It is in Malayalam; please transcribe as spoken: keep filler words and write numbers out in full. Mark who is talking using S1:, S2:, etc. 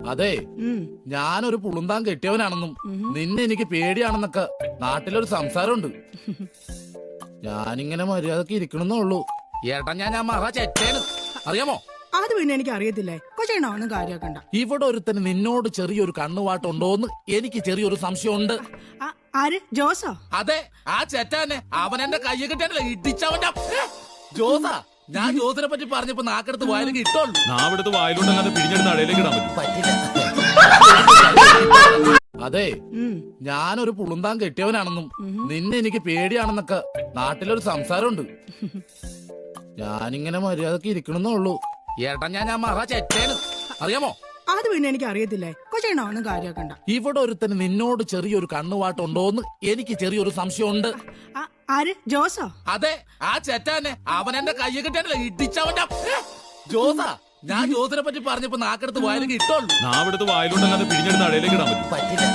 S1: അതെ, ഞാനൊരു പുളുന്താൻ കെട്ടിയവനാണെന്നും നിന്നെ എനിക്ക് പേടിയാണെന്നൊക്കെ നാട്ടിലൊരു സംസാരമുണ്ട്. ഞാനിങ്ങനെ മര്യാദക്ക് ഇരിക്കണമെന്നേ ഉള്ളൂ. ഏട്ടാ ഞാൻ ഞാൻ മഹാ ചെറ്റേന്, അറിയാമോ?
S2: അത് പിന്നെ എനിക്ക് അറിയത്തില്ലേ. കൊച്ചേണോ ഒന്നും കാര്യമാക്കണ്ട.
S1: ഇവിടെ ഒരുത്തന് നിന്നോട് ചെറിയൊരു കണ്ണുവാട്ടുണ്ടോന്ന് എനിക്ക് ചെറിയൊരു സംശയമുണ്ട്.
S2: ആര്? ജോസോ?
S1: അതെ, ആ ചെറ്റാനെ. അവൻ എന്റെ കയ്യെ കിട്ടാനല്ലേ ഇടിച്ചവന്റെ ജോസാ. ഞാൻ ജോസിനെ പറ്റി പറഞ്ഞപ്പോ നാക്കെടുത്ത് വായിലേക്ക് ഇട്ടോളൂ.
S3: നാവെടുത്ത് വായിലോട്ടല്ലാതെ പിഴിഞ്ഞെടുത്ത് അടയിലേക്ക് ഇടാൻ
S1: പറ്റില്ല. അതെ, ഞാനൊരു പുളുന്താൻ കെട്ടിയവനാണെന്നും നിന്നെ എനിക്ക് പേടിയാണെന്നൊക്കെ നാട്ടിലൊരു സംസാരമുണ്ട്. ഞാനിങ്ങനെ മര്യാദക്ക് ഇരിക്കണമെന്നേ ഉള്ളൂ. ഏട്ടാ ഞാൻ ഞാൻ മഹാ ചെറ്റേന്, അറിയാമോ?
S2: അത് പിന്നെ എനിക്ക് അറിയത്തില്ലേ. കൊച്ചേണോ ഒന്നും കാര്യമാക്കണ്ട.
S1: ഇവിടെ ഒരുത്തന് നിന്നോട് ചെറിയൊരു കണ്ണുവാട്ടുണ്ടോന്ന് എനിക്ക് ചെറിയൊരു സംശയമുണ്ട്.
S2: ആര്? ജോസോ?
S1: അതെ, ആ ചെറ്റാനെ. അവൻ എന്റെ കയ്യെ കിട്ടാനല്ലേ ഇടിച്ചവന്റെ ജോസാ. ഞാൻ ജോസിനെ പറ്റി പറഞ്ഞപ്പോ നാക്കെടുത്ത് വായിലേക്ക് ഇട്ടോളൂ.
S3: നാവെടുത്ത് വായിലോട്ടല്ലാതെ പിഴിഞ്ഞെടുത്ത് അടയിലേക്ക് ഇടാൻ പറ്റും.
S1: പറ്റില്ല.